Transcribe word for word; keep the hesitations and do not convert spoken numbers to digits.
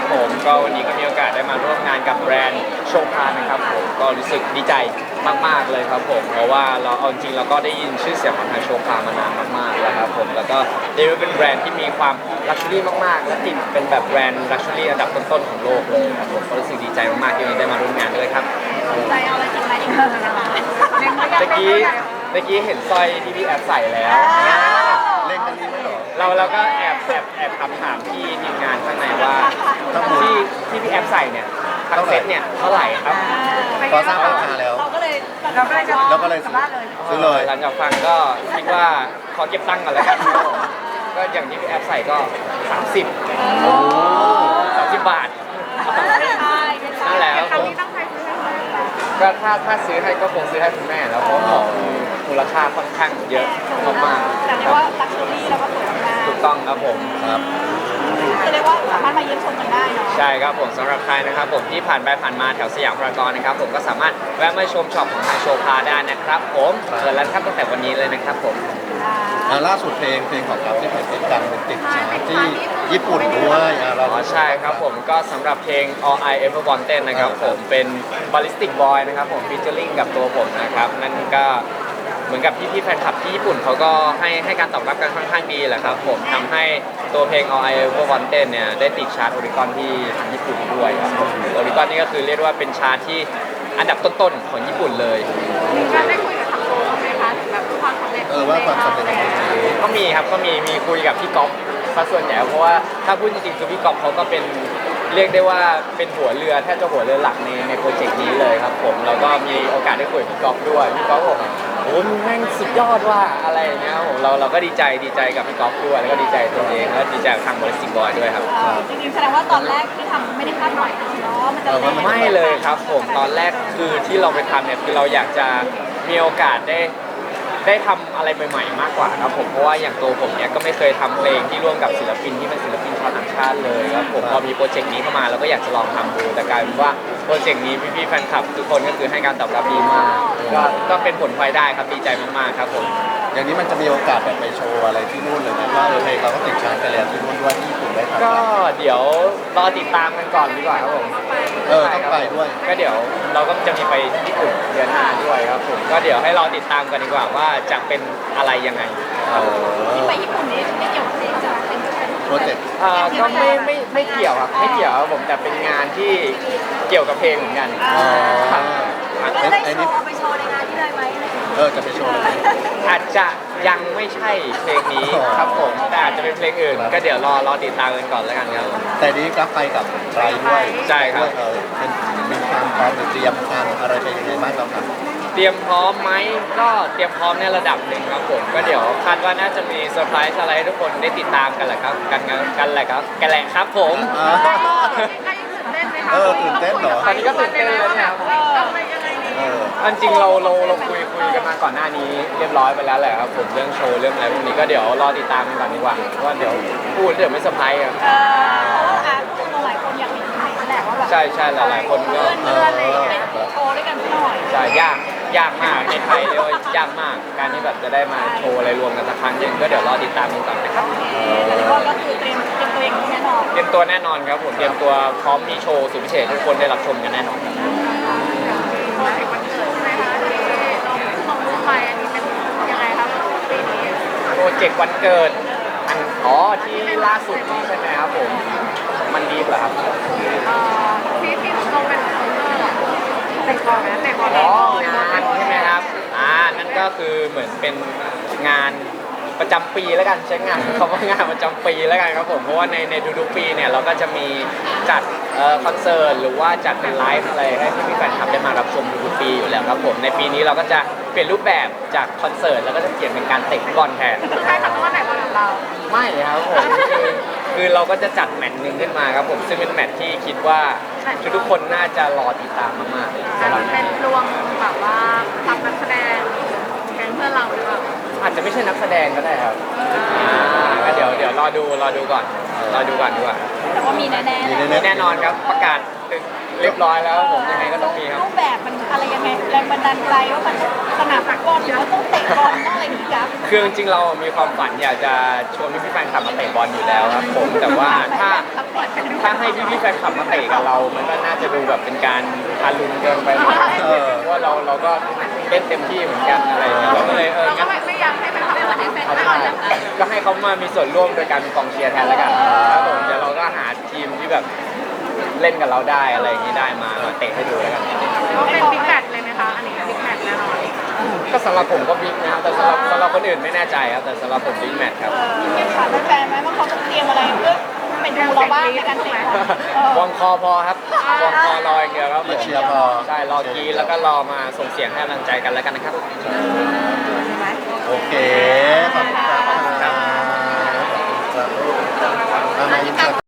ผมก็วันนี้ก็มีโอกาสได้มาร่วมงานกับแบรนด์โชพานะครับผมก็รู้สึกดีใจมากๆเลยครับผมเพราะว่าเราเอาจริงเราก็ได้ยินชื่อเสียงของทางโชพามานานมากๆแล้วครับผมแล้วก็เรียกว่าเป็นแบรนด์ที่มีความลักชัวรี่มากๆและติดเป็นแบบแบรนด์ลักชัวรี่อันดับต้นๆของโลกเลยครับผมก็รู้สึกดีใจมากๆที่วันนี้ได้มาร่วมงานด้วยครับใจเอาอะไรกินอะไรอีกนะคะเล็งไว้ยังเมื่อกี้เมื่อกี้เห็นสร้อยที่พี่แอบใส่แล้วเล่นกันนี้ไหมเหรอเราเราก็แอบแอบแอบถามถามพี่ทีมงานข้างในว่าที่ที่พี่แอบใส่เนี่ยทั้งเซ็ตเนี่ยเท่าไหร่ครับพอทราบราคาแล้วเราก็เลยเราก็เลยจะเราก็เลยกลับบ้านเลยซื้อเลยหลังจากฟังก็คิดว่าขอเก็บตังค์ก่อนแล้วกันครับผมก็อย่างที่พี่แอบใส่ก็สามสิบ สามสิบบาท นั่นแหละครับครั้ผงมนี้ตั้งใจซื้อให้ใครก็ถ้าถ้าซื้อให้ก็คงซื้อให้คุณแม่แล้วเพราะของมูลค่าค่อนข้างเยอะมากแต่เรียกว่าลักชัวรี่แล้วก็สวยมากๆถูกต้องครับผมครับคือเรียกว่าสามารถมาเยี่ยมชมกันได้เนาะใช่ครับผมสำหรับใครนะครับผมที่ผ่านไปผ่านมาแถวสยามพารากอนนะครับผมก็สามารถแวะมาชมช็อปของทางโชพาได้นะครับผมเปิดแล้วครับตั้งแต่วันนี้เลยนะครับผมอ่าล่าสุดเพลงเพลงของเราที่เป็นติดกันเป็นติดชาร์ตที่ญี่ปุ่นด้วยอ่าเราอ๋อใช่ครับผมก็สำหรับเพลง All I Ever Wanted นะครับผมเป็น Ballistic Boy นะครับผม featuring กับตัวผมนะครับนั่นก็เหมือนกับพี่พี่ๆแฟนคลับที่ญี่ปุ่นเขาก็ให้ให้การตอบรับกันค่อนข้างดีแหละครับผมทำให้ตัวเพลง All I Ever Wanted เนี่ยได้ติดชาร์ตโอริกอนที่ญี่ปุ่นด้วยครับโอริกอนนี่ก็คือเรียกว่าเป็นชาร์ตที่อันดับต้นๆของญี่ปุ่นเลยมีการได้คุยกับทางโรงไหมคะถึงแบบความสำเร็จเออว่าความสำเร็จของเพลงก็มีครับก็มีมีคุยกับพี่ก๊อฟซะส่วนใหญ่เพราะว่าถ้าพูดจริงๆคือพี่ก๊อฟเขาก็เป็นเรียกได้ว่าเป็นหัวเรือแทบจะหัวเรือหลักในในโปรเจกต์นี้เลยครับผมแล้วก็มีโอกาสได้คุยกับพี่ก๊อฟด้วยพี่ก๊อฟบอกโอ้ยมึงแม่งสุดยอดว่าอะไรอย่างเงี้ยครับผมเราเราก็ดีใจดีใจกับพี่ก๊อฟด้วยแล้วก็ดีใจตัวเองแล้วดีใจกับทางบริษัทบอยด้วยครับจริงๆแสดงว่าตอนแรกที่ทำไม่ได้คาดหวังเนาะมันจะแรงไม่เลยครับผมตอนแรกคือที่เราไปทำเนี่ยคือเราอยากจะมีโอกาสได้ได้ทำอะไรใหม่ๆมากกว่าครับผมเพราะว่าอย่างตัวผมเนี่ยก็ไม่เคยทำเพลงที่ร่วมกับศิลปินที่เป็นศิลปินชาวต่างชาติเลยครับผมพอมีโปรเจกต์นี้เข้ามาเราก็อยากจะลองทำดูแต่กลายเป็นว่าโปรเจกต์นี้พี่ๆแฟนคลับทุกคนก็คือให้การตอบรับดีมากก็ก็เป็นผลพลอยได้ครับดีใจมากๆครับผมอย่างนี้มันจะมีโอกาสแบบไปโชว์อะไรที่นู่นเลยไหมว่าเออเพลงเราก็ติดชาร์ตไปแล้วที่นู่นด้วยที่ญี่ปุ่นได้ครับก็เดี๋ยวรอติดตามกันก่อนดีกว่าครับผมเออต้องไปด้วยก็เดี๋ยวเราก็จะมีไปญี่ปุ่นเดือนหน้าด้วยครับผมก็เดี๋ยวให้รอติดตามกันดีกว่าว่าจะเป็นอะไรยังไงเออที่ไปญี่ปุ่นนี่ไม่เกี่ยวกับเพลงจะเป็นเป็นโปรเจกต์เอ่อก็ไม่ไม่ไม่เกี่ยวครับไม่เกี่ยวครับผมแต่เป็นงานที่เกี่ยวกับเพลงเหมือนกันอ๋อครับแล้วได้โชว์เอาไปโชว์ในงานที่เลยไหมเออจะไปโชว์อะไรอาจจะยังไม่ใช่เพลงนี้ครับผมแต่อาจจะเป็นเพลงอื่น ก็เดี๋ยวรอรอติดตามกันก่อนแล้วกันครับแต่นี้กลับไปกับไรด้วยใช่ครับเออเป็นมีความพร้อมหรือเตรียมการอะไรไปยังไงบ้างเราครับเตรียมพร้อมไหมก็เตรียมพร้อมในระดับหนึ่งครับผมก็เดี๋ยวคาดว่าน่าจะมีเซอร์ไพรส์อะไรให้ทุกคนได้ติดตามกันแหละครับกันกันแหละครับกันแหละครับผมอ่าใครตื่นเต้นไหมคะเออตื่นเต้นเหรอตอนนี้ก็ตื่นเต้นเลยนะครับทำไปยังไงดีเอออันจริงเราเราเราคุยคุยกันมาก่อนหน้านี้เรียบร้อยไปแล้วแหละครับผมเรื่องโชว์เรื่องอะไรพวกนี้ก็เดี๋ยวรอติดตามกันก่อนดีกว่าเพราะว่าเดี๋ยวพูดเดี๋ยวไม่เซอร์ไพรส์ครับเอออ่ะคนหลายคนอยากเห็นเพลงแหละว่าแบบใช่ใช่หลายๆคนก็เพื่อนๆเลยไปโชว์ด้วยกันสักหน่อยใช่ยากยากมากในไทยเรียกว่ายากมากการที่แบบจะได้มาโชว์อะไรรวมกันสักครั้งหนึ่งก็เดี๋ยวรอติดตามกันก่อนนะครับแต่เรียกว่าก็คือเตรียมเตรียมตัวเองแน่นอนเตรียมตัวแน่นอนครับผมเตรียมตัวพร้อมมีโชว์สุดพิเศษให้ทุกคนได้รับชมกันแน่นอนครับโปรเจกต์วันเกิดใช่ไหมคะที่เราลงรูปไปอันนี้เป็นยังไงคะปีนี้โปรเจกต์วันเกิดอันอ๋อที่ล่าสุดนี่ใช่ไหมครับผมมันดีเหรอครับเอ่อที่ที่ลงเป็นโปสเตอร์อะเตะบอลไหมเตะบอลอ๋องานใช่ไหมครับอ่านั่นก็คือเหมือนเป็นงานประจำปีแล้วกันใช้งานคำว่างานประจำปีแล้วกันครับผมเพราะว่าในในทุกๆปีเนี่ยเราก็จะมีจัดเอ่อคอนเสิร์ตหรือว่าจัดเป็นไลฟ์อะไรให้พี่ๆแฟนคลับได้มารับชมทุกๆปีอยู่แล้วครับผมในปีนี้เราก็จะเปลี่ยนรูปแบบจากคอนเสิร์ตแล้วก็จะเปลี่ยนเป็นการเตะฟุตบอลแทนใช่ค่ะเพราะว่าไหนบอลของเราไม่ครับผมคือคือเราก็จะจัดแมตช์หนึ่งขึ้นมาครับผมซึ่งเป็นแมตช์ที่คิดว่าทุกๆคนน่าจะรอติดตามมากๆแต่สำหรับมันเป็นรวมแบบว่าทำนักแสดงแก๊งเพื่อนเราหรือเปล่าอาจจะไม่ใช่นักแสดงก็ได้ครับอ่าก็เดี๋ยวเดี๋ยวรอดูรอดูก่อนรอดูก่อนดีกว่าแต่ว่ามีแน่ๆมีแหละแน่แน่นอนครับประกาศเรียบร้อยแล้วผมยังไงก็ต้องมีครับรูปแบบมันอะไรยังไงแรงบันดาลใจว่ามันสนามฟุตบอลหรือว่าต้องเตะบอลต้องอะไรอย่างนี้ครับคือจริงๆเรามีความฝันอยากจะชวนพี่ๆแฟนคลับมาเตะบอลอยู่แล้วครับผมแต่ว่าถ้าถ้าให้พี่ๆแฟนคลับมาเตะกับเรา มันก็น่าจะดูแบบเป็นการทารุณเกินไปหน่อยเออเพราะว่าเราเราก็เล่นเต็มที่เหมือนกันอะไรอย่างเงี้ยเราก็เลยเออเราก็งั้นไม่ไม่อยากให้เป็นความเป็นแฟนเอาไม่ใช่เอาแล้วก็ให้เขามามีส่วนร่วมโดยการเป็นกองเชียร์แทนแล้วกันครับผมเดี๋ยวเราก็หาทีมที่แบบเล่นกับเราได้อะไรอย่างนี้ได้มามาเตะให้ดูแล้วกันก็เป็นบิ๊กแมตช์เลยไหมคะอันนี้บิ๊กแมตช์แน่นอนก็สำหรับผมก็บิ๊กนะครับแต่สำหรับสำหรับคนอื่นไม่แน่ใจครับแต่สำหรับผมบิ๊กแมตช์ครับเก็บขาดแฟนไหมว่าเขาจะเตรียมอะไรเพื่อเป็นดูเราบ้างในการเตะบอลเออวอร์มคอพอครับวอร์มคอรออย่างเดียวครับผมเชียร์พอใช่รอกรีดแล้วก็รอมาส่งเสียงให้กำลังใจกันแล้วกันนะครับโอเค ขอบคุณครับ